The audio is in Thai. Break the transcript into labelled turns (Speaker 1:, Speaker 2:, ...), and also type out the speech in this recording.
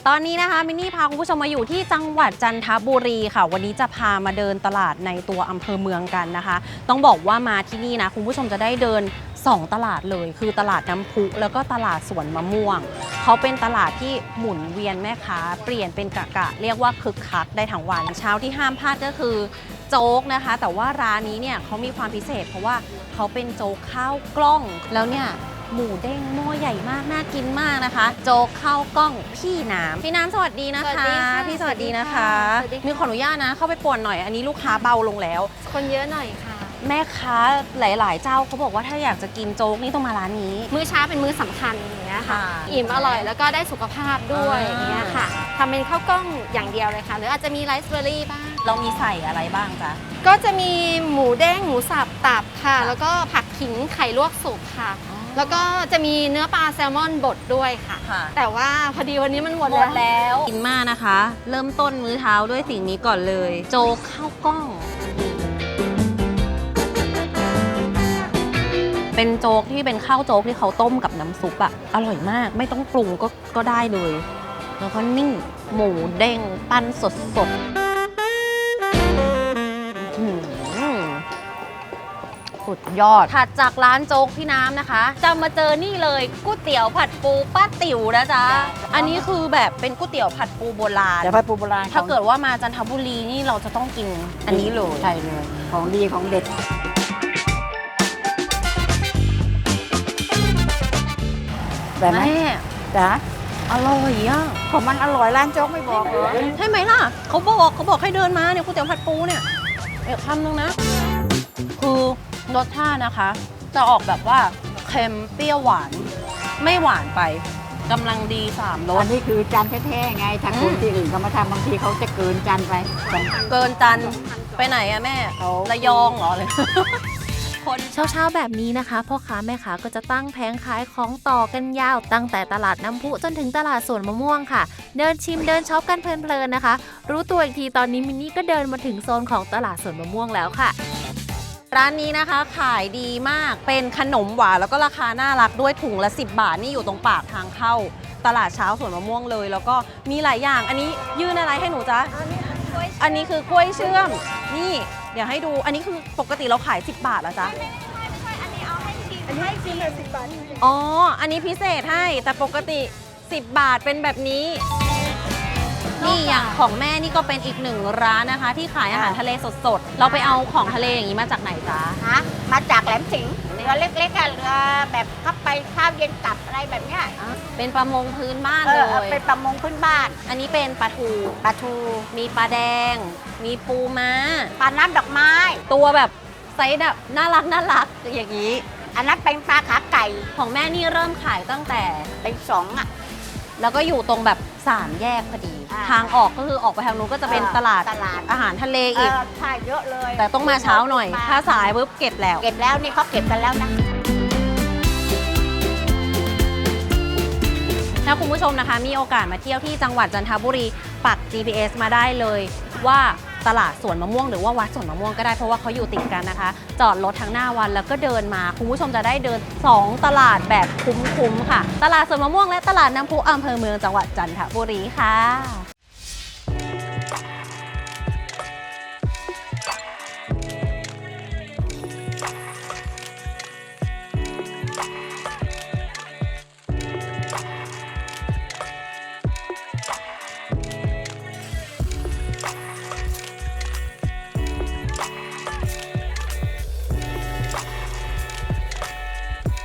Speaker 1: ตอนนี้นะคะมินนี่พาคุณผู้ชมมาอยู่ที่จังหวัดจันทบุรีค่ะวันนี้จะพามาเดินตลาดในตัวอำเภอเมืองกันนะคะต้องบอกว่ามาที่นี่นะคุณผู้ชมจะได้เดิน2ตลาดเลยคือตลาดน้ำพุแล้วก็ตลาดสวนมะม่วงเขาเป็นตลาดที่หมุนเวียนแม่ค้าเปลี่ยนเป็นกะเรียกว่าคึกคักได้ทั้งวันเช้าที่ห้ามพลาดก็คือโจ๊กนะคะแต่ว่าร้านนี้เนี่ยเขามีความพิเศษเพราะว่าเขาเป็นโจ๊กข้าวกล้องแล้วเนี่ยหมูเด้งหม้อใหญ่มากน่ากินมากนะคะโจ๊กข้าวกล้องพี่น้ำสวัสดีนะคะพี่สวัสดีนะคะมีขออนุญาตนะเข้าไปป่วนหน่อยอันนี้ลูกค้าเบาลงแล้ว
Speaker 2: คนเยอะหน่อยค่ะ
Speaker 1: แม่ค้าหลายๆเจ้าเขาบอกว่าถ้าอยากจะกินโจ๊กนี่ต้องมาร้านนี้
Speaker 2: มื้อเช้าเป็นมื้อสำคัญอย่างเงี้ยค่ะอิ่มอร่อยแล้วก็ได้สุขภาพด้วยอย่างเงี้ยค่ะทำเป็นข้าวกล้องอย่างเดียวเลยค่ะหรืออาจจะมีไรซ์เบอร์รี่บ้าง
Speaker 1: เรามีใส่อะไรบ้างจ๊ะ
Speaker 2: ก็จะมีหมูเด้งหมูสับตับค่ะแล้วก็ผักขิงไข่ลวกสุกค่ะแล้วก็จะมีเนื้อปลาแซลมอนบดด้วยค่ะแต่ว่าพอดีวันนี้มันหมดแล้ว
Speaker 1: กินมากนะคะเริ่มต้นมื้อเช้าด้วยสิ่งนี้ก่อนเลยโจ๊กข้าวกล้องเป็นโจ๊กที่เป็นข้าวโจ๊กที่เขาต้มกับน้ำซุปอะอร่อยมากไม่ต้องปรุงก็ได้เลยแล้วก็นิ่งหมูเด้งปั้นสดสุดยอดถัดจากร้านโจ๊กพี่น้ำนะคะจะมาเจอนี่เลยก๋วยเตี๋ยวผัดปูป้าติ๋วนะจ๊ะอันนี้คือแบบเป็นก๋วยเตี๋ยวผัดปูโบราณ
Speaker 3: ผัดปูโบราณ
Speaker 1: ถ้าเกิดว่ามาจันทบุรีนี่เราจะต้องกินอันนี้เลย
Speaker 3: ใช่เลยของดีของเด็ดแบบไหมจ๊ะ
Speaker 1: อร่อยอ่ะ
Speaker 3: ของมันอร่อยร้านโจ๊กไม่บอกเหรอ
Speaker 1: ใช่ไหมล่ะเขาบอกให้เดินมาเนี่ยก๋วยเตี๋ยวผัดปูเนี่ยคำนึงนะคือรสชาตินะคะจะออกแบบว่าเค็มเปรี้ยวหวานไม่หวานไปกำลังดี3รส
Speaker 3: อันนี้คือจานแท้ๆไงทางคนที่อื่นเขามาทำบางทีเขาจะเกินจานไป
Speaker 1: เกินจานไปไหนอะแม่ระยองเหรอเลย
Speaker 4: เช้าแบบนี้นะคะพ่อค้าแม่ค้าก็จะตั้งแผงขายของต่อกันยาวตั้งแต่ตลาดน้ำพุจนถึงตลาดสวนมะม่วงค่ะเดินชิมเดินช็อปกันเพลินๆนะคะรู้ตัวอีกทีตอนนี้มินนี่ก็เดินมาถึงโซนของตลาดสวนมะม่วงแล้วค่ะ
Speaker 1: ร้านนี้นะคะขายดีมากเป็นขนมหวานแล้วก็ราคาน่ารักด้วยถุงละ10 บาทนี่อยู่ตรงปากทางเข้าตลาดเช้าสวนมะม่วงเลยแล้วก็มีหลายอย่างอันนี้ยื่นอะไรให้หนูจ๊ะอันนี้คือกล้วยเชื่อมนี่เดี๋ยวให้ดูอันนี้คือปกติเราขาย10 บาทแล้วจ๊ะ
Speaker 2: ไม่ใช่อันนี้เอาให้ชิมอันนี้ให้ชิมเลย10 บาท
Speaker 1: อ๋ออันนี้พิเศษให้แต่ปกติ10 บาทเป็นแบบนี้นี่อย่างของแม่นี่ก็เป็นอีกหนึ่งร้านนะคะที่ขายอาหารทะเลสดๆเราไปเอาของทะเลอย่างนี้มาจากไหนจ๊ะ
Speaker 3: มาจากแหลมสิงห์เรือเล็กๆเรือแบบเข้าไปข้าวเย็นกลับอะไรแบบเนี้ย
Speaker 1: เป็นประมงพื้นบ้านเลย
Speaker 3: เป็นประมงพื้นบ้าน
Speaker 1: อันนี้เป็นปลาทูมีปลาแดงมีปูม้า
Speaker 3: ปลาน้ำดอกไม้
Speaker 1: ตัวแบบไซส์แบบน่ารักอย่างนี้
Speaker 3: อันนั้นเป็นปลาขาไก่
Speaker 1: ของแม่นี่เริ่มขายตั้งแต่
Speaker 3: เป็น2อ่ะ
Speaker 1: แล้วก็อยู่ตรงแบบ3 แยกพอดีทางออกก็คือออกไปทางนู้นก็จะเป็นตลาดอาหารทะเลอีก
Speaker 3: ใช่เยอะเลย
Speaker 1: แต่ต้องมาเช้าหน่อยถ้าสายปุ๊บเก็บแล้ว
Speaker 3: นี่เขาเก็บกันแล้วนะ
Speaker 1: ถ้าคุณผู้ชมนะคะมีโอกาสมาเที่ยวที่จังหวัดจันทบุรีปัก GPS มาได้เลยว่าตลาดสวนมะม่วงหรือว่าวัดสวนมะม่วงก็ได้เพราะว่าเขาอยู่ติดกันนะคะจอดรถทั้งหน้าวันแล้วก็เดินมาคุณผู้ชมจะได้เดิน2 ตลาดแบบคุ้มๆค่ะตลาดสวนมะม่วงและตลาดน้ำพุอำเภอเมืองจังหวัดจันทบุรีค่ะ